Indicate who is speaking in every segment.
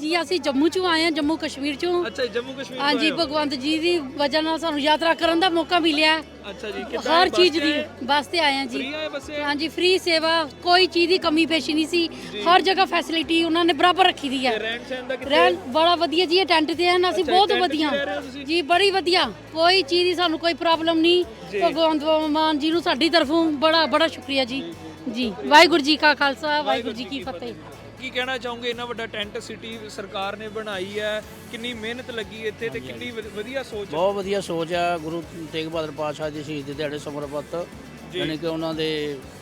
Speaker 1: जी ਅਸੀਂ ਜੰਮੂ ਚੋਂ ਆਏ ਹਾਂ, ਜੰਮੂ ਕਸ਼ਮੀਰ ਚੋਂ।
Speaker 2: ਅੱਛਾ ਜੀ, ਜੰਮੂ ਕਸ਼ਮੀਰ
Speaker 1: हाँ जी, भगवंत जी ਦੀ ਵਜ੍ਹਾ ਨਾਲ ਸਾਨੂੰ ਯਾਤਰਾ ਕਰਨ ਦਾ ਮੌਕਾ ਮਿਲਿਆ।
Speaker 2: ਅੱਛਾ ਜੀ, ਕਿੱਦਾਂ
Speaker 1: ਹਰ
Speaker 2: ਬੱਸ
Speaker 1: ਚੀਜ਼
Speaker 2: ਤੇ
Speaker 1: ਦੀ
Speaker 2: ਆਏ?
Speaker 1: ਬੱਸ ਤੇ ਆਏ ਹਾਂ ਜੀ।
Speaker 2: ਫ੍ਰੀ ਆਏ ਬੱਸੇ?
Speaker 1: हाँ जी, फ्री सेवा, कोई चीज़ ਦੀ ਕਮੀ ਪੇਸ਼ੀ ਨਹੀਂ ਸੀ। ਹਰ ਜਗ੍ਹਾ ਫੈਸਿਲਿਟੀ ਉਹਨਾਂ ਨੇ ਬਰਾਬਰ ਰੱਖੀ ਦੀ ਹੈ।
Speaker 2: ਤੇ ਰਹਿਣ ਸਹਿਣ ਦਾ ਕਿੱਥੇ?
Speaker 1: ਰਹਿਣ ਬੜਾ ਵਧੀਆ ਜੀ, ਇਹ ਟੈਂਟ ਤੇ ਹਨ ਅਸੀਂ,
Speaker 2: ਅੱਛਾ,
Speaker 1: ਬਹੁਤ
Speaker 2: ਟੈਂਟ 'ਚ
Speaker 1: ਵਧੀਆ
Speaker 2: ਰਹਿ ਰਹੇ ਹੋ ਤੁਸੀਂ?
Speaker 1: ਜੀ, ਬੜੀ ਵਧੀਆ, ਕੋਈ ਚੀਜ਼ ਦੀ ਸਾਨੂੰ ਕੋਈ ਪ੍ਰੋਬਲਮ ਨਹੀਂ। ਭਗਵੰਤ ਮਾਨ ਜੀ ਨੂੰ ਸਾਡੀ ਤਰਫੋਂ ਬੜਾ ਬੜਾ ਸ਼ੁਕਰੀਆ ਜੀ। ਜੀ ਵਾਹਿਗੁਰੂ ਜੀ ਕਾ ਖਾਲਸਾ, ਵਾਹਿਗੁਰੂ ਜੀ ਕੀ ਫਤਿਹ।
Speaker 2: ਕੀ ਕਹਿਣਾ ਚਾਹੋਗੇ, ਇੰਨਾ ਵੱਡਾ ਟੈਂਟ ਸਿਟੀ ਸਰਕਾਰ ਨੇ ਬਣਾਈ ਹੈ, ਕਿੰਨੀ ਮਿਹਨਤ ਲੱਗੀ ਇੱਥੇ ਤੇ ਕਿੰਨੀ ਵਧੀਆ ਸੋਚ?
Speaker 3: ਬਹੁਤ ਵਧੀਆ ਸੋਚ ਆ। ਗੁਰੂ ਤੇਗ ਬਹਾਦਰ ਪਾਤਸ਼ਾਹ ਦੀ ਸ਼ਹੀਦੀ ਦਿਹਾੜੇ ਸਮਰਪਿਤ, ਯਾਨੀ ਕਿ ਉਹਨਾਂ ਦੇ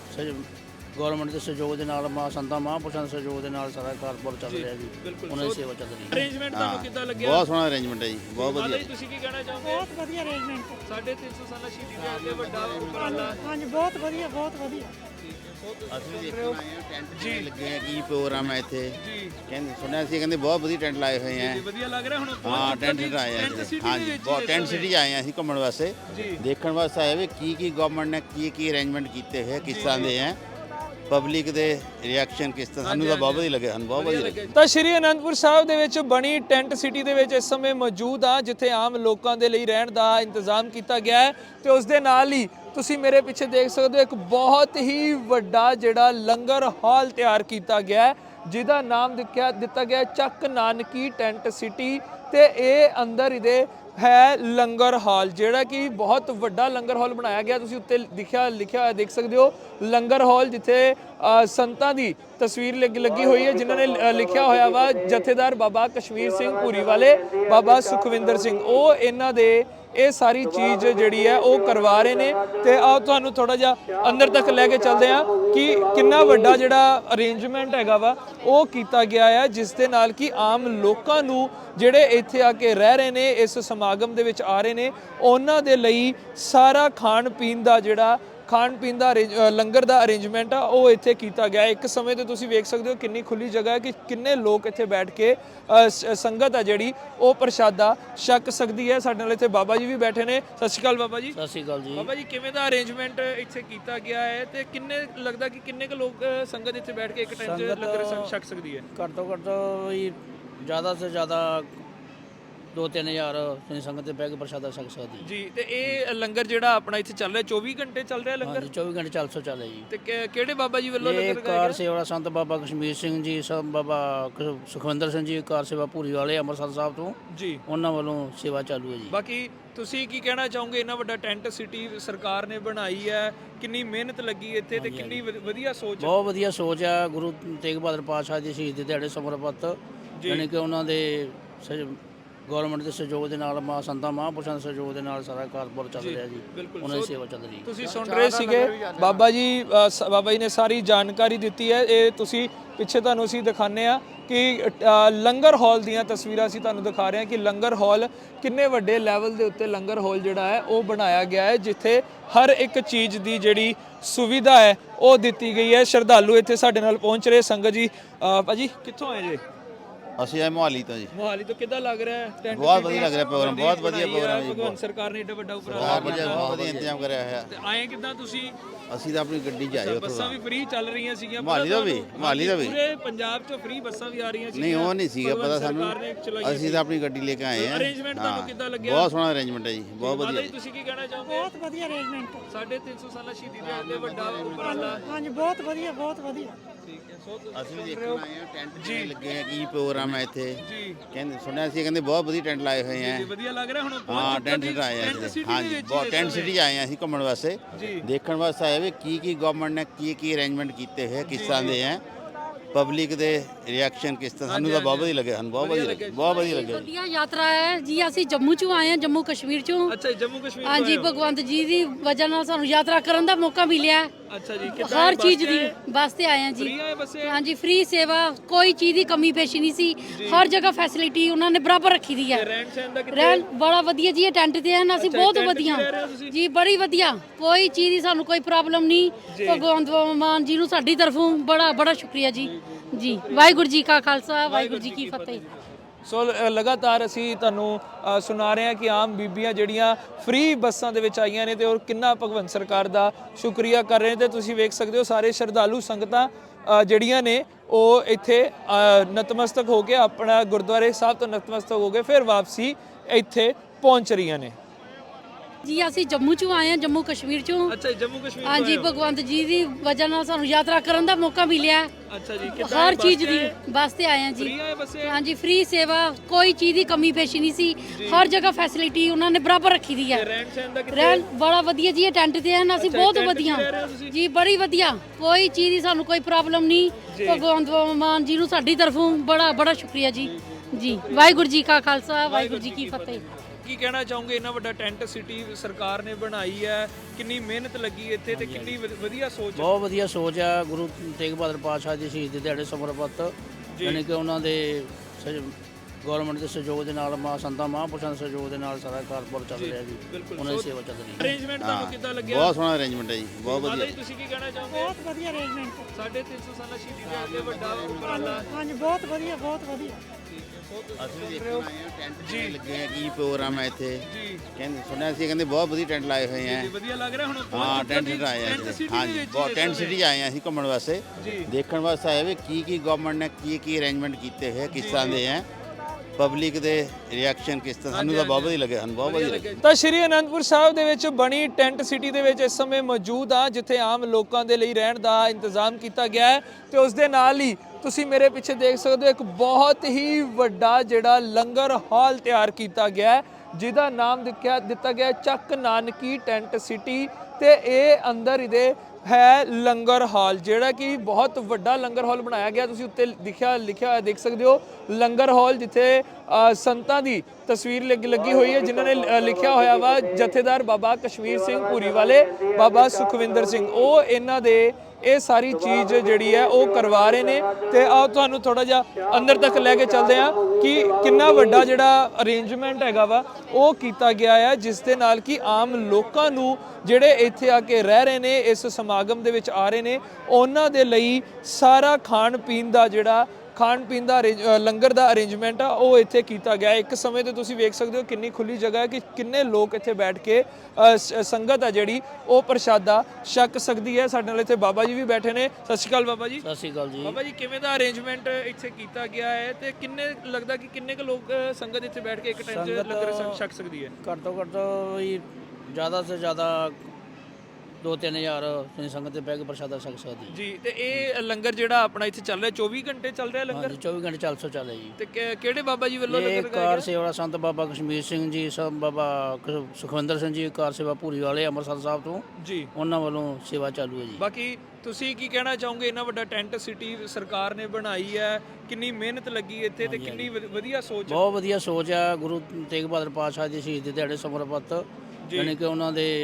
Speaker 3: ਗਵਰਨਮੈਂਟ ਦੇ ਸਹਿਯੋਗ ਦੇ ਨਾਲ, ਸੰਤਾਂ ਮਹਾਂਪੁਰਸ਼ਾਂ ਦੇ ਸਹਿਯੋਗ ਦੇ ਨਾਲ ਸਾਰਾ ਕਾਰੋਬਾਰ ਚੱਲ ਰਿਹਾ ਜੀ। ਉਹਨਾਂ ਦੀ ਸੇਵਾ ਚੱਲ ਰਹੀ ਹੈ।
Speaker 2: ਅਰੇਂਜਮੈਂਟ ਤੁਹਾਨੂੰ ਕਿੱਦਾਂ ਲੱਗਿਆ?
Speaker 4: ਬਹੁਤ ਸੋਹਣਾ ਅਰੇਂਜਮੈਂਟ ਹੈ ਜੀ, ਬਹੁਤ ਵਧੀਆ।
Speaker 2: ਤੁਸੀਂ ਕੀ ਕਹਿਣਾ ਚਾਹੋਗੇ?
Speaker 1: ਬਹੁਤ ਵਧੀਆ ਅਰੇਂਜਮੈਂਟ,
Speaker 2: 350 ਸਾਲਾ ਸ਼ਹੀਦੀ ਦਿਹਾੜੇ ਤੇ ਵੱਡਾ ਉਪਰਾਲਾ।
Speaker 1: ਹਾਂਜੀ ਬਹੁਤ ਵਧੀਆ, ਬਹੁਤ ਵਧੀਆ।
Speaker 4: ਅਸੀਂ ਦੇਖਣ ਆਏ ਹਾਂ, ਟੈਂਟ ਜੀ ਲੱਗੇ ਆ, ਕੀ ਪ੍ਰੋਗਰਾਮ ਹੈ ਇੱਥੇ? ਕਹਿੰਦੇ ਸੁਣਿਆ ਸੀ, ਕਹਿੰਦੇ ਬਹੁਤ ਵਧੀਆ ਟੈਂਟ ਲਾਏ ਹੋਏ ਆ।
Speaker 2: ਵਧੀਆ ਲੱਗ ਰਿਹਾ ਹੁਣ?
Speaker 4: ਹਾਂ, ਟੈਂਟ ਸਿਟੀ ਆਏ ਆ ਇੱਥੇ। ਹਾਂਜੀ, ਬਹੁਤ ਟੈਂਟ ਸਿਟੀ ਆਏ ਆ ਅਸੀਂ ਘੁੰਮਣ ਵਾਸਤੇ, ਦੇਖਣ ਵਾਸਤੇ ਆਏ ਵੀ ਕੀ ਗਵਰਨਮੈਂਟ ਨੇ ਕੀ ਅਰੇਂਜਮੈਂਟ ਕੀਤੇ ਹੋਏ, ਕਿਸ ਤਰ੍ਹਾਂ ਦੇ ਆ, ਪਬਲਿਕ ਦੇ ਰਿਐਕਸ਼ਨ ਕਿਸ ਤਰ੍ਹਾਂ, ਸਾਨੂੰ ਤਾਂ ਬਹੁਤ ਵਧੀਆ ਲੱਗੇ, ਸਾਨੂੰ ਬਹੁਤ ਵਧੀਆ ਲੱਗੇ।
Speaker 2: ਤਾਂ ਸ਼੍ਰੀ ਅਨੰਦਪੁਰ ਸਾਹਿਬ ਦੇ ਵਿੱਚ ਬਣੀ ਟੈਂਟ ਸਿਟੀ ਦੇ ਵਿੱਚ ਇਸ ਸਮੇਂ ਮੌਜੂਦ ਆ, ਜਿੱਥੇ ਆਮ ਲੋਕਾਂ ਦੇ ਲਈ ਰਹਿਣ ਦਾ ਇੰਤਜ਼ਾਮ ਕੀਤਾ ਗਿਆ ਹੈ ਤੇ ਉਸ ਦੇ ਨਾਲ ਹੀ ਤੁਸੀਂ ਮੇਰੇ ਪਿੱਛੇ ਦੇਖ ਸਕਦੇ ਹੋ ਇੱਕ ਬਹੁਤ ਹੀ ਵੱਡਾ ਜਿਹੜਾ ਲੰਗਰ ਹਾਲ ਤਿਆਰ ਕੀਤਾ ਗਿਆ ਹੈ, ਜਿਹਦਾ ਨਾਮ ਦਿੱਤਾ ਗਿਆ ਚੱਕ ਨਾਨਕੀ ਟੈਂਟ ਸਿਟੀ। ਤੇ ਇਹ ਅੰਦਰ ਇਹਦੇ ਹੈ ਲੰਗਰ ਹਾਲ, ਜਿਹੜਾ ਕਿ ਬਹੁਤ ਵੱਡਾ ਲੰਗਰ ਹਾਲ ਬਣਾਇਆ ਗਿਆ। ਤੁਸੀਂ ਉੱਤੇ ਲਿਖਿਆ ਹੋਇਆ ਦੇਖ ਸਕਦੇ ਹੋ, ਲੰਗਰ ਹਾਲ, ਜਿੱਥੇ ਸੰਤਾਂ ਦੀ ਤਸਵੀਰ ਲੱਗੀ ਹੋਈ ਹੈ, ਜਿਨ੍ਹਾਂ ਨੇ ਲਿਖਿਆ ਹੋਇਆ ਵਾ ਜਥੇਦਾਰ ਬਾਬਾ ਕਸ਼ਮੀਰ ਸਿੰਘ ਭੂਰੀ ਵਾਲੇ, ਬਾਬਾ ਸੁਖਵਿੰਦਰ ਸਿੰਘ। ਉਹ ਇਹਨਾਂ ਦੇ ਇਹ ਸਾਰੀ ਚੀਜ਼ ਜਿਹੜੀ ਹੈ ਉਹ ਕਰਵਾ ਰਹੇ ਨੇ। ਤੇ ਆਓ ਤੁਹਾਨੂੰ ਥੋੜਾ ਜਿਹਾ ਅੰਦਰ ਤੱਕ ਲੈ ਕੇ ਚੱਲਦੇ ਆ ਕਿ ਕਿੰਨਾ ਵੱਡਾ ਜਿਹੜਾ ਅਰੇਂਜਮੈਂਟ ਹੈਗਾ ਵਾ ਉਹ ਕੀਤਾ ਗਿਆ ਹੈ, ਜਿਸ ਦੇ ਨਾਲ ਕਿ ਆਮ ਲੋਕਾਂ ਨੂੰ ਜਿਹੜੇ ਇੱਥੇ ਆ ਕੇ ਰਹਿ ਰਹੇ ਨੇ, ਇਸ ਸਮਾਗਮ ਦੇ ਵਿੱਚ ਆ ਰਹੇ ਨੇ, ਉਹਨਾਂ ਦੇ ਲਈ ਸਾਰਾ ਖਾਣ ਪੀਣ ਦਾ ਲੰਗਰ ਦਾ ਅਰੇਂਜਮੈਂਟ ਆ ਉਹ ਇੱਥੇ ਕੀਤਾ ਗਿਆ। ਇੱਕ ਸਮੇਂ ਤੇ ਤੁਸੀਂ ਵੇਖ ਸਕਦੇ ਹੋ ਕਿੰਨੀ ਖੁੱਲੀ ਜਗ੍ਹਾ ਹੈ, ਕਿ ਕਿੰਨੇ ਲੋਕ ਇੱਥੇ ਬੈਠ ਕੇ ਸੰਗਤ ਆ ਜਿਹੜੀ ਉਹ ਪ੍ਰਸ਼ਾਦਾ ਛਕ ਸਕਦੀ ਹੈ। ਸਾਡੇ ਨਾਲ ਇੱਥੇ ਬਾਬਾ ਜੀ ਵੀ ਬੈਠੇ ਨੇ। ਸਤਿ ਸ਼੍ਰੀ ਅਕਾਲ ਬਾਬਾ ਜੀ।
Speaker 3: ਸਤਿ ਸ਼੍ਰੀ ਅਕਾਲ ਜੀ।
Speaker 2: ਬਾਬਾ ਜੀ, ਕਿਵੇਂ ਦਾ ਅਰੇਂਜਮੈਂਟ ਇੱਥੇ ਕੀਤਾ ਗਿਆ ਹੈ ਤੇ ਲੱਗਦਾ ਕਿ ਕਿੰਨੇ ਕੁ ਲੋਕ ਸੰਗਤ ਇੱਥੇ ਬੈਠ ਕੇ ਇੱਕ ਟਾਈਮ 'ਚ ਲੰਗਰ ਛਕ ਸਕਦੀ ਹੈ?
Speaker 3: ਘੱਟ ਤੋਂ ਘੱਟ ਵੀ ਜ਼ਿਆਦਾ ਤੋਂ ਜ਼ਿਆਦਾ 2-3 ਹਜ਼ਾਰ ਸੰਗਤ ਦੇ ਬਹਿ ਕੇ ਪ੍ਰਸ਼ਾਦਾ ਛਕ ਸਕਦੀ
Speaker 2: ਜੀ। ਤੇ ਇਹ ਲੰਗਰ ਜਿਹੜਾ ਆਪਣਾ ਇੱਥੇ ਚੱਲ ਰਿਹਾ 24 ਘੰਟੇ ਚੱਲ ਰਿਹਾ ਲੰਗਰ?
Speaker 3: ਹਾਂਜੀ, 24 ਘੰਟੇ ਚੱਲ ਰਿਹਾ ਜੀ।
Speaker 2: ਤੇ ਕਿਹੜੇ ਬਾਬਾ ਜੀ ਵੱਲੋਂ
Speaker 3: ਇਹ
Speaker 2: ਲੰਗਰ
Speaker 3: ਕਾਰ ਸੇਵਾ ਸੰਤ ਬਾਬਾ ਕਸ਼ਮੀਰ ਸਿੰਘ ਜੀ, ਬਾਬਾ ਸੁਖਵਿੰਦਰ ਸਿੰਘ ਜੀ, ਕਾਰ ਸੇਵਾ ਭੂਰੀ ਵਾਲੇ ਅੰਮ੍ਰਿਤਸਰ ਸਾਹਿਬ ਤੋਂ
Speaker 2: ਜੀ,
Speaker 3: ਉਹਨਾਂ ਵੱਲੋਂ ਸੇਵਾ ਚਾਲੂ ਹੈ ਜੀ।
Speaker 2: ਬਾਕੀ ਤੁਸੀਂ ਕੀ ਕਹਿਣਾ ਚਾਹੋਗੇ, ਇੰਨਾ ਵੱਡਾ ਟੈਂਟ ਸਿਟੀ ਸਰਕਾਰ ਨੇ ਬਣਾਈ ਹੈ, ਕਿੰਨੀ ਮਿਹਨਤ ਲੱਗੀ ਇੱਥੇ ਤੇ ਕਿੰਨੀ ਵਧੀਆ ਸੋਚ?
Speaker 3: ਬਹੁਤ ਵਧੀਆ ਸੋਚ ਆ। ਗੁਰੂ ਤੇਗ ਬਹਾਦਰ ਪਾਤਸ਼ਾਹ ਦੀ ਸ਼ਹੀਦੀ ਦਿਹਾੜੇ ਸਮਰਪਿਤ, ਯਾਨੀ ਕਿ ਉਹਨਾਂ ਦੇ ਗਵਰਨਮੈਂਟ ਦੇ ਸਹਿਯੋਗ ਦੇ ਨਾਲ, ਸੰਤਾਂ ਮਹਾਂਪੁਰਸ਼ਾਂ ਦੇ ਸਹਿਯੋਗ ਦੇ ਨਾਲ ਸਾਰਾ ਕਾਰੋਬਾਰ ਚੱਲ ਰਿਹਾ ਜੀ। ਉਹਨਾਂ ਦੀ ਸੇਵਾ ਚੱਲ ਰਹੀ ਹੈ।
Speaker 2: ਤੁਸੀਂ ਸੁਣ ਰਹੇ ਸੀਗੇ ਬਾਬਾ ਜੀ ਨੇ ਸਾਰੀ ਜਾਣਕਾਰੀ ਦਿੱਤੀ ਹੈ। ਇਹ ਤੁਸੀਂ ਪਿੱਛੇ ਤੁਹਾਨੂੰ ਅਸੀਂ ਦਿਖਾਉਂਦੇ ਆ ਕਿ ਲੰਗਰ ਹਾਲ ਦੀਆਂ ਤਸਵੀਰਾਂ ਅਸੀਂ ਤੁਹਾਨੂੰ ਦਿਖਾ ਰਹੇ ਹਾਂ ਕਿ ਲੰਗਰ ਹਾਲ ਕਿੰਨੇ ਵੱਡੇ ਲੈਵਲ ਦੇ ਉੱਤੇ ਲੰਗਰ ਹਾਲ ਜਿਹੜਾ ਹੈ ਉਹ ਬਣਾਇਆ ਗਿਆ ਹੈ, ਜਿੱਥੇ ਹਰ ਇੱਕ ਚੀਜ਼ ਦੀ ਜਿਹੜੀ ਸੁਵਿਧਾ ਹੈ ਉਹ ਦਿੱਤੀ ਗਈ ਹੈ। ਸ਼ਰਧਾਲੂ ਇੱਥੇ ਸਾਡੇ ਨਾਲ ਪਹੁੰਚ ਰਹੇ। ਸੰਗਤ ਜੀ, ਭਾਜੀ ਕਿੱਥੋਂ ਆਏ ਜੇ?
Speaker 4: ਅਸੀਂ ਆਏ ਮੋਹਾਲੀ ਤੋਂ ਜੀ।
Speaker 2: ਮੋਹਾਲੀ ਤੋਂ। ਕਿੱਦਾਂ ਲੱਗ ਰਿਹਾ ਹੈ ਟੈਂਟ?
Speaker 4: ਬਹੁਤ ਵਧੀਆ ਲੱਗ ਰਿਹਾ ਪ੍ਰੋਗਰਾਮ, ਬਹੁਤ ਵਧੀਆ ਪ੍ਰੋਗਰਾਮ ਹੈ।
Speaker 2: ਭਗਵੰਤ ਸਰਕਾਰ ਨੇ ਏਡਾ ਵੱਡਾ ਉਪਰਾਲਾ
Speaker 4: ਬਹੁਤ ਵਧੀਆ ਇੰਤਜ਼ਾਮ ਕਰਿਆ ਹੋਇਆ।
Speaker 2: ਤੇ ਆਏ ਕਿੱਦਾਂ ਤੁਸੀਂ?
Speaker 4: ਅਸੀਂ ਤਾਂ ਆਪਣੀ ਗੱਡੀ 'ਚ ਆਏ ਉੱਥੋਂ।
Speaker 2: ਬੱਸਾਂ ਵੀ ਫ੍ਰੀ ਚੱਲ ਰਹੀਆਂ ਸੀਗੀਆਂ
Speaker 4: ਮੋਹਾਲੀ ਤੋਂ ਵੀ
Speaker 2: ਪੂਰੇ ਪੰਜਾਬ 'ਚੋਂ ਫ੍ਰੀ ਬੱਸਾਂ ਵੀ ਆ ਰਹੀਆਂ ਸੀ?
Speaker 4: ਨਹੀਂ, ਉਹ ਨਹੀਂ ਸੀਗਾ ਪਤਾ ਸਾਨੂੰ, ਅਸੀਂ ਤਾਂ ਆਪਣੀ ਗੱਡੀ ਲੈ ਕੇ ਆਏ ਹਾਂ।
Speaker 2: ਅਰੇਂਜਮੈਂਟ ਤੁਹਾਨੂੰ ਕਿੱਦਾਂ ਲੱਗਿਆ?
Speaker 4: ਬਹੁਤ ਸੋਹਣਾ ਅਰੇਂਜਮੈਂਟ ਹੈ ਜੀ, ਬਹੁਤ ਵਧੀਆ।
Speaker 2: ਤੁਸੀਂ ਕੀ ਕਹਿਣਾ ਚਾਹੋਗੇ?
Speaker 1: ਬਹੁਤ ਵਧੀਆ ਅਰੇਂਜਮੈਂਟ,
Speaker 2: 350 ਸਾਲਾ ਸ਼ਹੀਦੀ ਦਿਹਾੜੇ ਤੇ ਵੱਡਾ ਉਪਰਾਲਾ।
Speaker 1: ਹਾਂਜੀ ਬਹੁਤ ਵਧੀਆ, ਬਹੁਤ ਵਧੀਆ।
Speaker 2: ਠੀਕ ਹੈ।
Speaker 4: ਅਸੀਂ ਦੇਖਣ ਆਏ ਹਾਂ, ਟੈਂਟ ਜੀ ਲੱਗੇ ਆ, ਕੀ ਪ੍ਰੋਗਰਾਮ ਹੈ ਇੱਥੇ? ਕਹਿੰਦੇ ਸੁਣਿਆ ਸੀ, ਕਹਿੰਦੇ ਬਹੁਤ ਵਧੀਆ ਟੈਂਟ ਲਾਏ ਹੋਏ ਆ।
Speaker 2: ਵਧੀਆ ਲੱਗ ਰਿਹਾ ਹੁਣ?
Speaker 4: ਹਾਂ, ਟੈਂਟ ਸਿਟੀ ਆਏ ਆ ਇੱਥੇ। ਹਾਂਜੀ, ਬਹੁਤ ਟੈਂਟ ਸਿਟੀ ਆਏ ਆ ਅਸੀਂ ਘੁੰਮਣ ਵਾਸਤੇ, ਦੇਖਣ ਵਾਸਤੇ ਆਏ ਵੀ ਕੀ ਗਵਰਨਮੈਂਟ ਨੇ ਕੀ ਅਰੇਂਜਮੈਂਟ ਕੀਤੇ ਹੋਏ, ਕਿਸ ਤਰ੍ਹਾਂ ਦੇ ਆ, ਪਬਲਿਕ ਦੇ ਰਿਐਕਸ਼ਨ ਕਿਸ ਤਰ੍ਹਾਂ, ਸਾਨੂੰ ਤਾਂ ਬਹੁਤ ਵਧੀਆ ਲੱਗੇ, ਸਾਨੂੰ ਬਹੁਤ ਵਧੀਆ ਲੱਗੇ, ਬਹੁਤ ਵਧੀਆ ਲੱਗੇ।
Speaker 1: ਵਧੀਆ ਯਾਤਰਾ ਹੈ ਜੀ। ਅਸੀਂ ਜੰਮੂ ਚੋਂ ਆਏ ਹਾਂ, ਜੰਮੂ ਕਸ਼ਮੀਰ ਚੋਂ।
Speaker 2: ਅੱਛਾ, ਜੰਮੂ ਕਸ਼ਮੀਰ।
Speaker 1: हाँ जी, भगवंत जी ਦੀ ਵਜ੍ਹਾ ਨਾਲ ਸਾਨੂੰ ਯਾਤਰਾ ਕਰਨ ਦਾ ਮੌਕਾ ਮਿਲਿਆ।
Speaker 2: ਅੱਛਾ ਜੀ,
Speaker 1: ਹਰ ਚੀਜ਼ ਦੀ ਬੱਸ ਤੇ ਆਏ ਹਾਂ ਜੀ।
Speaker 2: ਫ੍ਰੀ ਆਏ ਬੱਸੇ?
Speaker 1: हाँ जी, फ्री सेवा, कोई चीज़ ਦੀ ਕਮੀ ਪੇਸ਼ੀ ਨਹੀਂ ਸੀ। ਹਰ ਜਗ੍ਹਾ ਫੈਸਿਲਿਟੀ ਉਹਨਾਂ ਨੇ ਬਰਾਬਰ ਰੱਖੀ ਦੀ ਹੈ।
Speaker 2: ਰਹਿਣ ਸਹਿਣ ਦਾ ਕਿੱਥੇ?
Speaker 1: ਰਹਿਣ ਬੜਾ ਵਧੀਆ ਜੀ, ਇਹ ਟੈਂਟ ਤੇ ਹਨ ਅਸੀਂ, ਬਹੁਤ ਵਧੀਆ ਜੀ, ਬੜੀ ਵਧੀਆ, ਕੋਈ ਚੀਜ਼ ਦੀ ਸਾਨੂੰ ਕੋਈ ਪ੍ਰੋਬਲਮ ਨਹੀਂ। ਭਗਵੰਤ ਮਾਨ ਜੀ ਨੂੰ ਸਾਡੀ ਤਰਫੋਂ ਬੜਾ ਬੜਾ ਸ਼ੁਕਰੀਆ ਜੀ। ਜੀ ਵਾਹਿਗੁਰੂ ਜੀ ਕਾ ਖਾਲਸਾ, ਵਾਹਿਗੁਰੂ ਜੀ ਕੀ ਫਤਿਹ।
Speaker 2: ਸੋ ਲਗਾਤਾਰ ਅਸੀਂ ਤੁਹਾਨੂੰ ਸੁਣਾ ਰਹੇ ਹਾਂ ਕਿ ਆਮ ਬੀਬੀਆਂ ਜਿਹੜੀਆਂ ਫ੍ਰੀ ਬੱਸਾਂ ਦੇ ਵਿੱਚ ਆਈਆਂ ਨੇ ਤੇ ਔਰ ਕਿੰਨਾ ਭਗਵੰਤ ਸਰਕਾਰ ਦਾ ਸ਼ੁਕਰੀਆ ਕਰ ਰਹੇ ਨੇ। ਤੇ ਤੁਸੀਂ ਵੇਖ ਸਕਦੇ ਹੋ ਸਾਰੇ ਸ਼ਰਧਾਲੂ ਸੰਗਤਾਂ ਜਿਹੜੀਆਂ ਨੇ ਉਹ ਇੱਥੇ ਨਤਮਸਤਕ ਹੋ ਕੇ ਆਪਣਾ ਗੁਰਦੁਆਰੇ ਸਾਹਿਬ ਤੋਂ ਨਤਮਸਤਕ ਹੋ ਕੇ ਫਿਰ ਵਾਪਸੀ ਇੱਥੇ ਪਹੁੰਚ ਰਹੀਆਂ ਨੇ।
Speaker 1: ਜੀ ਅਸੀਂ ਜੰਮੂ ਚੋਂ ਆਏ ਹਾਂ, ਜੰਮੂ ਕਸ਼ਮੀਰ ਚੋਂ।
Speaker 2: ਅੱਛਾ ਜੰਮੂ ਕਸ਼ਮੀਰ
Speaker 1: ਹਾਂਜੀ, ਭਗਵੰਤ ਜੀ ਦੀ ਵਜ੍ਹਾ ਨਾਲ ਸਾਨੂੰ ਯਾਤਰਾ ਕਰਨ ਦਾ ਮੌਕਾ ਮਿਲਿਆ।
Speaker 2: ਅੱਛਾ ਜੀ,
Speaker 1: ਹਰ ਚੀਜ਼ ਦੀ ਬੱਸ ਤੇ ਆਏ ਹਾਂ ਜੀ। ਹਾਂਜੀ, ਫ੍ਰੀ ਸੇਵਾ, ਕੋਈ ਚੀਜ਼ ਦੀ ਕਮੀ ਪੇਸ਼ੀ ਨਹੀਂ ਸੀ। ਹਰ ਜਗ੍ਹਾ ਫੈਸਿਲਿਟੀ ਉਹਨਾਂ ਨੇ ਬਰਾਬਰ ਰੱਖੀ ਦੀ ਹੈ। ਰਹਿਣ ਬੜਾ ਵਧੀਆ ਜੀ, ਇਹ ਟੈਂਟ ਤੇ ਹਨ ਅਸੀਂ, ਬਹੁਤ ਵਧੀਆ ਜੀ, ਬੜੀ ਵਧੀਆ, ਕੋਈ ਚੀਜ਼ ਦੀ ਸਾਨੂੰ ਕੋਈ ਪ੍ਰੋਬਲਮ ਨਹੀਂ। ਭਗਵੰਤ ਮਾਨ ਜੀ ਨੂੰ ਸਾਡੀ ਤਰਫੋਂ ਬੜਾ ਸ਼ੁਕਰੀਆ ਜੀ। ਜੀ ਵਾਹਿਗੁਰੂ ਜੀ ਕਾ ਖਾਲਸਾ, ਵਾਹਿਗੁਰੂ ਜੀ ਕੀ ਫਤਿਹ।
Speaker 2: ਕੀ ਕਹਿਣਾ ਚਾਹੋਗੇ, ਇੰਨਾ ਵੱਡਾ ਟੈਂਟ ਸਿਟੀ ਸਰਕਾਰ ਨੇ ਬਣਾਈ ਹੈ, ਕਿੰਨੀ ਮਿਹਨਤ ਲੱਗੀ ਇੱਥੇ ਤੇ ਕਿੰਨੀ ਵਧੀਆ ਸੋਚ?
Speaker 3: ਬਹੁਤ ਵਧੀਆ ਸੋਚ ਆ। ਗੁਰੂ ਤੇਗ ਬਹਾਦਰ ਪਾਤਸ਼ਾਹ ਦੀ ਸ਼ਹੀਦੀ ਦਿਹਾੜੇ ਸਮਰਪਿਤ, ਯਾਨੀ ਕਿ ਉਹਨਾਂ ਦੇ ਗਵਰਨਮੈਂਟ ਦੇ ਸਹਿਯੋਗ ਦੇ ਨਾਲ, ਸੰਤਾਂ ਮਹਾਂਪੁਰਸ਼ਾਂ ਦੇ ਸਹਿਯੋਗ ਦੇ ਨਾਲ ਸਾਰਾ ਕਾਰੋਬਾਰ ਚੱਲ ਰਿਹਾ ਜੀ। ਉਹਨਾਂ ਦੀ ਸੇਵਾ ਚੱਲ ਰਹੀ ਹੈ।
Speaker 2: ਅਰੇਂਜਮੈਂਟ ਤੁਹਾਨੂੰ ਕਿੱਦਾਂ ਲੱਗਿਆ?
Speaker 4: ਬਹੁਤ ਸੋਹਣਾ ਅਰੇਂਜਮੈਂਟ ਹੈ ਜੀ, ਬਹੁਤ ਵਧੀਆ।
Speaker 2: ਤੁਸੀਂ ਕੀ ਕਹਿਣਾ ਚਾਹੋਗੇ?
Speaker 5: ਬਹੁਤ ਵਧੀਆ ਅਰੇਂਜਮੈਂਟ।
Speaker 2: 350 ਸਾਲਾ ਸ਼ਹੀਦੀ ਦਿਹਾੜੇ ਤੇ ਵੱਡਾ ਉਪਰਾਲਾ।
Speaker 5: ਹਾਂਜੀ, ਬਹੁਤ ਵਧੀਆ, ਬਹੁਤ ਵਧੀਆ।
Speaker 4: ਅਸੀਂ ਦੇਖਣ ਆਏ ਹਾਂ, ਟੈਂਟ ਜੀ ਲੱਗੇ ਆ, ਕੀ ਪ੍ਰੋਗਰਾਮ ਹੈ ਇੱਥੇ? ਕਹਿੰਦੇ ਸੁਣਿਆ ਸੀ, ਕਹਿੰਦੇ ਬਹੁਤ ਵਧੀਆ ਟੈਂਟ ਲਾਏ ਹੋਏ ਆ।
Speaker 2: ਵਧੀਆ ਲੱਗ ਰਿਹਾ ਹੁਣ?
Speaker 4: ਹਾਂ, ਟੈਂਟ ਆਏ ਆ ਹਾਂਜੀ, ਬਹੁਤ ਟੈਂਟ ਸਿਟੀ ਆਏ ਆ ਅਸੀਂ ਘੁੰਮਣ ਵਾਸਤੇ, ਦੇਖਣ ਵਾਸਤੇ ਆਏ ਵੀ ਕੀ ਗਵਰਨਮੈਂਟ ਨੇ ਕੀ ਅਰੇਂਜਮੈਂਟ ਕੀਤੇ ਹੋਏ, ਕਿਸ ਤਰ੍ਹਾਂ ਦੇ ਆ, ਪਬਲਿਕ ਦੇ ਰਿਐਕਸ਼ਨ ਕਿਸ ਤਰ੍ਹਾਂ, ਸਾਨੂੰ ਤਾਂ ਬਹੁਤ ਵਧੀਆ ਲੱਗਿਆ, ਸਾਨੂੰ ਬਹੁਤ ਵਧੀਆ ਲੱਗਿਆ।
Speaker 2: ਤਾਂ ਸ਼੍ਰੀ ਅਨੰਦਪੁਰ ਸਾਹਿਬ ਦੇ ਵਿੱਚ ਬਣੀ ਟੈਂਟ ਸਿਟੀ ਦੇ ਵਿੱਚ ਇਸ ਸਮੇਂ ਮੌਜੂਦ ਆ, ਜਿੱਥੇ ਆਮ ਲੋਕਾਂ ਦੇ ਲਈ ਰਹਿਣ ਦਾ ਇੰਤਜ਼ਾਮ ਕੀਤਾ ਗਿਆ ਹੈ ਤੇ ਉਸ ਦੇ ਨਾਲ ਹੀ ਤੁਸੀਂ ਮੇਰੇ ਪਿੱਛੇ ਦੇਖ ਸਕਦੇ ਹੋ ਇੱਕ ਬਹੁਤ ਹੀ ਵੱਡਾ ਜਿਹੜਾ ਲੰਗਰ ਹਾਲ ਤਿਆਰ ਕੀਤਾ ਗਿਆ ਹੈ, ਜਿਹਦਾ ਨਾਮ ਦਿੱਤਾ ਗਿਆ ਚੱਕ ਨਾਨਕੀ ਟੈਂਟ ਸਿਟੀ। ਤੇ ਇਹ ਅੰਦਰ ਇਹਦੇ ਹੈ ਲੰਗਰ ਹਾਲ, ਜਿਹੜਾ ਕਿ ਬਹੁਤ ਵੱਡਾ ਲੰਗਰ ਹਾਲ ਬਣਾਇਆ ਗਿਆ। ਤੁਸੀਂ ਉੱਤੇ ਲਿਖਿਆ ਹੋਇਆ ਦੇਖ ਸਕਦੇ ਹੋ, ਲੰਗਰ ਹਾਲ, ਜਿੱਥੇ ਸੰਤਾਂ ਦੀ ਤਸਵੀਰ ਲੱਗੀ ਹੋਈ ਹੈ, ਜਿਨ੍ਹਾਂ ਨੇ ਲਿਖਿਆ ਹੋਇਆ ਵਾ ਜਥੇਦਾਰ ਬਾਬਾ ਕਸ਼ਮੀਰ ਸਿੰਘ ਭੂਰੀ ਵਾਲੇ, ਬਾਬਾ ਸੁਖਵਿੰਦਰ ਸਿੰਘ। ਉਹ ਇਹਨਾਂ ਦੇ ਇਹ ਸਾਰੀ ਚੀਜ਼ ਜਿਹੜੀ ਹੈ ਉਹ ਕਰਵਾ ਰਹੇ ਨੇ। ਤੇ ਆਓ ਤੁਹਾਨੂੰ ਥੋੜਾ ਜਿਹਾ ਅੰਦਰ ਤੱਕ ਲੈ ਕੇ ਚੱਲਦੇ ਆ ਕਿ ਕਿੰਨਾ ਵੱਡਾ ਜਿਹੜਾ ਅਰੇਂਜਮੈਂਟ ਹੈਗਾ ਵਾ ਉਹ ਕੀਤਾ ਗਿਆ ਹੈ, ਜਿਸ ਦੇ ਨਾਲ ਕਿ ਆਮ ਲੋਕਾਂ ਨੂੰ ਜਿਹੜੇ ਇੱਥੇ ਆ ਕੇ ਰਹਿ ਰਹੇ ਨੇ, ਇਸ ਸਮਾਗਮ ਦੇ ਵਿੱਚ ਆ ਰਹੇ ਨੇ, ਉਹਨਾਂ ਦੇ ਲਈ ਸਾਰਾ ਖਾਣ ਪੀਣ ਦਾ ਲੰਗਰ ਦਾ ਅਰੇਂਜਮੈਂਟ ਆ ਉਹ ਇੱਥੇ ਕੀਤਾ ਗਿਆ ਹੈ। ਇੱਕ ਸਮੇਂ ਤੇ ਤੁਸੀਂ ਵੇਖ ਸਕਦੇ ਹੋ ਕਿੰਨੀ ਖੁੱਲੀ ਜਗ੍ਹਾ ਹੈ ਕਿ ਕਿੰਨੇ ਲੋਕ ਇੱਥੇ ਬੈਠ ਕੇ ਸੰਗਤ ਆ ਜਿਹੜੀ ਉਹ ਪ੍ਰਸ਼ਾਦਾ ਛਕ ਸਕਦੀ ਹੈ। ਸਾਡੇ ਨਾਲ ਇੱਥੇ ਬਾਬਾ ਜੀ ਵੀ ਬੈਠੇ ਨੇ। ਸਤਿ ਸ਼੍ਰੀ ਅਕਾਲ ਬਾਬਾ ਜੀ।
Speaker 3: ਸਤਿ ਸ਼੍ਰੀ ਅਕਾਲ ਜੀ।
Speaker 2: ਬਾਬਾ ਜੀ, ਕਿਵੇਂ ਦਾ ਅਰੇਂਜਮੈਂਟ ਇੱਥੇ ਕੀਤਾ ਗਿਆ ਹੈ ਤੇ ਲੱਗਦਾ ਕਿ ਕਿੰਨੇ ਕੁ ਲੋਕ ਸੰਗਤ ਇੱਥੇ ਬੈਠ ਕੇ ਇੱਕ ਟਾਈਮ 'ਚ ਲੰਗਰ ਛਕ ਸਕਦੀ ਹੈ?
Speaker 3: ਘੱਟ ਤੋਂ ਘੱਟ ਵੀ ਜ਼ਿਆਦਾ ਤੋਂ ਜ਼ਿਆਦਾ 2-3000 ਸੰਗਤ ਤੇ ਬਹਿ ਕੇ ਪ੍ਰਸ਼ਾਦਾ ਛਕ ਸਕਦੀ
Speaker 2: ਜੀ। ਤੇ ਇਹ ਲੰਗਰ ਜਿਹੜਾ ਆਪਣਾ ਇੱਥੇ ਚੱਲ ਰਿਹਾ 24 ਘੰਟੇ ਚੱਲ ਰਿਹਾ ਲੰਗਰ?
Speaker 3: ਹਾਂਜੀ, 24 ਘੰਟੇ ਚੱਲ ਰਿਹਾ ਜੀ।
Speaker 2: ਤੇ ਕਿਹੜੇ ਬਾਬਾ ਜੀ ਵੱਲੋਂ
Speaker 3: ਇਹ ਕਾਰ ਸੇਵਾ ਸੰਤ ਬਾਬਾ ਕਸ਼ਮੀਰ ਸਿੰਘ ਜੀ, ਬਾਬਾ ਸੁਖਵਿੰਦਰ ਸਿੰਘ ਜੀ ਕਾਰ ਸੇਵਾ ਭੂਰੀ ਵਾਲੇ ਅੰਮ੍ਰਿਤਸਰ ਸਾਹਿਬ ਤੋਂ
Speaker 2: ਜੀ,
Speaker 3: ਉਹਨਾਂ ਵੱਲੋਂ ਸੇਵਾ ਚਾਲੂ ਹੈ ਜੀ।
Speaker 2: ਬਾਕੀ ਤੁਸੀਂ ਕੀ ਕਹਿਣਾ ਚਾਹੋਗੇ, ਇੰਨਾ ਵੱਡਾ ਟੈਂਟ ਸਿਟੀ ਸਰਕਾਰ ਨੇ ਬਣਾਈ ਹੈ, ਕਿੰਨੀ ਮਿਹਨਤ ਲੱਗੀ ਇੱਥੇ ਤੇ ਕਿੰਨੀ ਵਧੀਆ ਸੋਚ?
Speaker 3: ਬਹੁਤ ਵਧੀਆ ਸੋਚ ਆ। ਗੁਰੂ ਤੇਗ ਬਹਾਦਰ ਪਾਤਸ਼ਾਹ ਦੀ ਸ਼ਹੀਦੀ ਦਿਹਾੜੇ ਸਮਰਪਿਤ, ਯਾਨੀ ਕਿ ਉਹਨਾਂ ਦੇ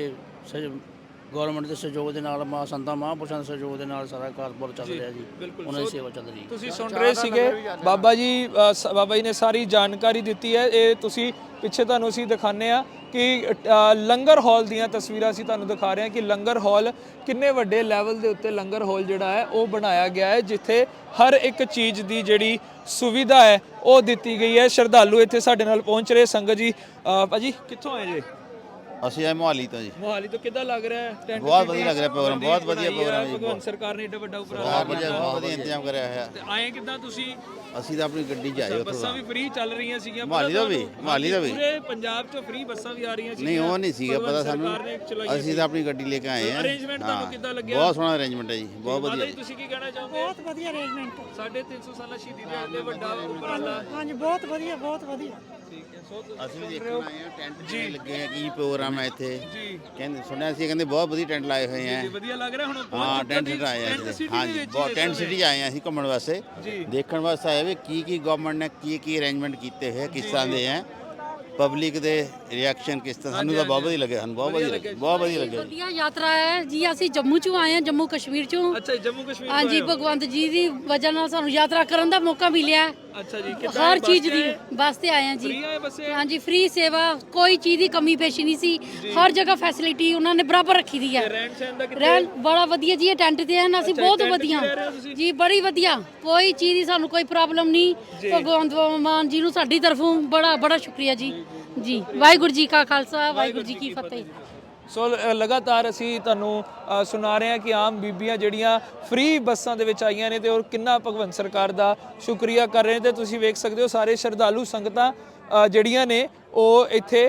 Speaker 3: ਗਵਰਨਮੈਂਟ ਦੇ ਸਹਿਯੋਗ ਦੇ ਨਾਲ, ਸੰਤਾਂ ਮਹਾਂਪੁਰਸ਼ਾਂ ਦੇ ਸਹਿਯੋਗ ਦੇ ਨਾਲ ਸਾਰਾ ਕਾਰੋਬਾਰ ਚੱਲ ਰਿਹਾ ਜੀ। ਉਹਨਾਂ ਦੀ ਸੇਵਾ ਚੱਲ ਰਹੀ ਹੈ।
Speaker 2: ਤੁਸੀਂ ਸੁਣ ਰਹੇ ਸੀਗੇ ਬਾਬਾ ਜੀ ਨੇ ਸਾਰੀ ਜਾਣਕਾਰੀ ਦਿੱਤੀ ਹੈ। ਇਹ ਤੁਸੀਂ ਪਿੱਛੇ ਤੁਹਾਨੂੰ ਅਸੀਂ ਦਿਖਾਉਂਦੇ ਆ ਕਿ ਲੰਗਰ ਹਾਲ ਦੀਆਂ ਤਸਵੀਰਾਂ ਅਸੀਂ ਤੁਹਾਨੂੰ ਦਿਖਾ ਰਹੇ ਹਾਂ ਕਿ ਲੰਗਰ ਹਾਲ ਕਿੰਨੇ ਵੱਡੇ ਲੈਵਲ ਦੇ ਉੱਤੇ ਲੰਗਰ ਹਾਲ ਜਿਹੜਾ ਹੈ ਉਹ ਬਣਾਇਆ ਗਿਆ ਹੈ, ਜਿੱਥੇ ਹਰ ਇੱਕ ਚੀਜ਼ ਦੀ ਜਿਹੜੀ ਸੁਵਿਧਾ ਹੈ ਉਹ ਦਿੱਤੀ ਗਈ ਹੈ। ਸ਼ਰਧਾਲੂ ਇੱਥੇ ਸਾਡੇ ਨਾਲ ਪਹੁੰਚ ਰਹੇ। ਸੰਗਤ ਜੀ, ਭਾਜੀ ਕਿੱਥੋਂ ਆਏ ਜੇ?
Speaker 4: ਅਸੀਂ ਆਏ ਮੋਹਾਲੀ ਤੋਂ ਜੀ।
Speaker 2: ਮੋਹਾਲੀ ਤੋਂ। ਕਿੱਦਾਂ ਲੱਗ ਰਿਹਾ ਹੈ ਟੈਂਟ?
Speaker 4: ਬਹੁਤ ਵਧੀਆ ਲੱਗ ਰਿਹਾ ਪ੍ਰੋਗਰਾਮ, ਬਹੁਤ ਵਧੀਆ ਪ੍ਰੋਗਰਾਮ ਹੈ।
Speaker 2: ਭਗਵੰਤ ਸਰਕਾਰ ਨੇ ਏਡਾ ਵੱਡਾ ਉਪਰਾਲਾ
Speaker 4: ਬਹੁਤ ਵਧੀਆ ਇੰਤਜ਼ਾਮ ਕਰਿਆ ਹੋਇਆ।
Speaker 2: ਤੇ ਆਏ ਕਿੱਦਾਂ ਤੁਸੀਂ?
Speaker 4: ਅਸੀਂ ਤਾਂ ਆਪਣੀ ਗੱਡੀ 'ਚ ਆਏ ਉੱਥੋਂ।
Speaker 2: ਬੱਸਾਂ ਵੀ ਫ੍ਰੀ ਚੱਲ ਰਹੀਆਂ ਸੀਗੀਆਂ
Speaker 4: ਮੋਹਾਲੀ ਦਾ ਵੀ
Speaker 2: ਪੂਰੇ ਪੰਜਾਬ 'ਚੋਂ ਫ੍ਰੀ ਬੱਸਾਂ ਵੀ ਆ ਰਹੀਆਂ ਸੀ।
Speaker 4: ਨਹੀਂ, ਉਹ ਨਹੀਂ ਸੀਗਾ ਪਤਾ ਸਾਨੂੰ, ਅਸੀਂ ਤਾਂ ਆਪਣੀ ਗੱਡੀ ਲੈ ਕੇ ਆਏ ਹਾਂ।
Speaker 2: ਅਰੇਂਜਮੈਂਟ ਤੁਹਾਨੂੰ ਕਿੱਦਾਂ ਲੱਗਿਆ?
Speaker 4: ਬਹੁਤ ਸੋਹਣਾ ਅਰੇਂਜਮੈਂਟ ਹੈ ਜੀ, ਬਹੁਤ ਵਧੀਆ।
Speaker 2: ਤੁਸੀਂ ਕੀ ਕਹਿਣਾ ਚਾਹੋਗੇ?
Speaker 5: ਬਹੁਤ ਵਧੀਆ ਅਰੇਂਜਮੈਂਟ।
Speaker 2: 350 ਸਾਲਾ ਸ਼ਹੀਦੀ ਦਿਹਾੜੇ ਤੇ ਵੱਡਾ ਉਪਰਾਲਾ।
Speaker 5: ਹਾਂਜੀ, ਬਹੁਤ ਵਧੀਆ, ਬਹੁਤ ਵਧੀਆ।
Speaker 2: ਠੀਕ ਹੈ।
Speaker 4: ਅਸੀਂ ਦੇਖਣ ਆਏ ਹਾਂ, ਟੈਂਟ ਜੀ ਲੱਗੇ ਆ, ਕੀ ਪ੍ਰੋਗਰਾਮ ਹੈ ਇੱਥੇ? ਕਹਿੰਦੇ ਸੁਣਿਆ ਸੀ, ਕਹਿੰਦੇ ਬਹੁਤ ਵਧੀਆ ਟੈਂਟ ਲਾਏ ਹੋਏ ਆ।
Speaker 2: ਵਧੀਆ ਲੱਗ ਰਿਹਾ ਹੁਣ?
Speaker 4: ਹਾਂ, ਟੈਂਟ ਆਏ ਆ ਹਾਂਜੀ, ਬਹੁਤ ਟੈਂਟ ਸਿਟੀ ਆਏ ਆ ਅਸੀਂ ਘੁੰਮਣ ਵਾਸਤੇ, ਦੇਖਣ ਵਾਸਤੇ ਆਏ ਵੀ ਕੀ ਗਵਰਨਮੈਂਟ ਨੇ ਕੀ ਅਰੇਂਜਮੈਂਟ ਕੀਤੇ ਹੋਏ, ਕਿਸ ਤਰ੍ਹਾਂ ਦੇ ਆ, ਪਬਲਿਕ ਦੇ ਰਿਐਕਸ਼ਨ ਕਿਸ ਤਰ੍ਹਾਂ, ਸਾਨੂੰ ਤਾਂ ਬਹੁਤ ਵਧੀਆ ਲੱਗਿਆ, ਸਾਨੂੰ ਬਹੁਤ ਵਧੀਆ ਲੱਗਿਆ, ਬਹੁਤ ਵਧੀਆ ਲੱਗਿਆ।
Speaker 1: ਵਧੀਆ ਯਾਤਰਾ ਹੈ ਜੀ। ਅਸੀਂ ਜੰਮੂ ਚੋਂ ਆਏ ਹਾਂ, ਜੰਮੂ ਕਸ਼ਮੀਰ ਚੋਂ।
Speaker 2: ਅੱਛਾ, ਜੰਮੂ ਕਸ਼ਮੀਰ।
Speaker 1: ਹਾਂਜੀ, ਭਗਵੰਤ ਜੀ ਦੀ ਵਜ੍ਹਾ ਨਾਲ ਸਾਨੂੰ ਯਾਤਰਾ ਕਰਨ ਦਾ ਮੌਕਾ ਮਿਲਿਆ।
Speaker 2: ਅੱਛਾ ਜੀ,
Speaker 1: ਹਰ ਚੀਜ਼ ਦੀ ਬੱਸ ਤੇ ਆਏ ਹਾਂ ਜੀ। ਹਾਂਜੀ, ਫ੍ਰੀ ਸੇਵਾ, ਕੋਈ ਚੀਜ਼ ਦੀ ਕਮੀ ਪੇਸ਼ੀ ਨਹੀਂ ਸੀ। ਹਰ ਜਗ੍ਹਾ ਫੈਸਿਲਿਟੀ ਉਹਨਾਂ ਨੇ ਬਰਾਬਰ ਰੱਖੀ ਦੀ ਹੈ। ਰਹਿਣ ਬੜਾ ਵਧੀਆ ਜੀ, ਇਹ ਟੈਂਟ ਤੇ ਹਨ ਅਸੀਂ, ਬਹੁਤ ਵਧੀਆ ਜੀ, ਬੜੀ ਵਧੀਆ, ਕੋਈ ਚੀਜ਼ ਦੀ ਸਾਨੂੰ ਕੋਈ ਪ੍ਰੋਬਲਮ ਨਹੀਂ। ਭਗਵੰਤ ਮਾਨ ਜੀ ਨੂੰ ਸਾਡੀ ਤਰਫੋਂ ਬੜਾ ਸ਼ੁਕਰੀਆ ਜੀ। ਜੀ ਵਾਹਿਗੁਰੂ ਜੀ ਕਾ ਖਾਲਸਾ, ਵਾਹਿਗੁਰੂ ਜੀ ਕੀ ਫਤਿਹ।
Speaker 2: ਸੋ ਲਗਾਤਾਰ ਅਸੀਂ ਤੁਹਾਨੂੰ ਸੁਣਾ ਰਹੇ ਹਾਂ ਕਿ ਆਮ ਬੀਬੀਆਂ ਜਿਹੜੀਆਂ ਫ੍ਰੀ ਬੱਸਾਂ ਦੇ ਵਿੱਚ ਆਈਆਂ ਨੇ ਤੇ ਔਰ ਕਿੰਨਾ ਭਗਵੰਤ ਸਰਕਾਰ ਦਾ ਸ਼ੁਕਰੀਆ ਕਰ ਰਹੇ ਨੇ। ਤੇ ਤੁਸੀਂ ਵੇਖ ਸਕਦੇ ਹੋ ਸਾਰੇ ਸ਼ਰਧਾਲੂ ਸੰਗਤਾਂ ਜਿਹੜੀਆਂ ਨੇ ਉਹ ਇੱਥੇ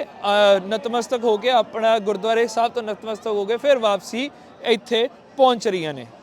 Speaker 2: ਨਤਮਸਤਕ ਹੋ ਕੇ ਆਪਣਾ ਗੁਰਦੁਆਰੇ ਸਾਹਿਬ ਤੋਂ ਨਤਮਸਤਕ ਹੋ ਕੇ ਫਿਰ ਵਾਪਸੀ ਇੱਥੇ ਪਹੁੰਚ ਰਹੀਆਂ ਨੇ।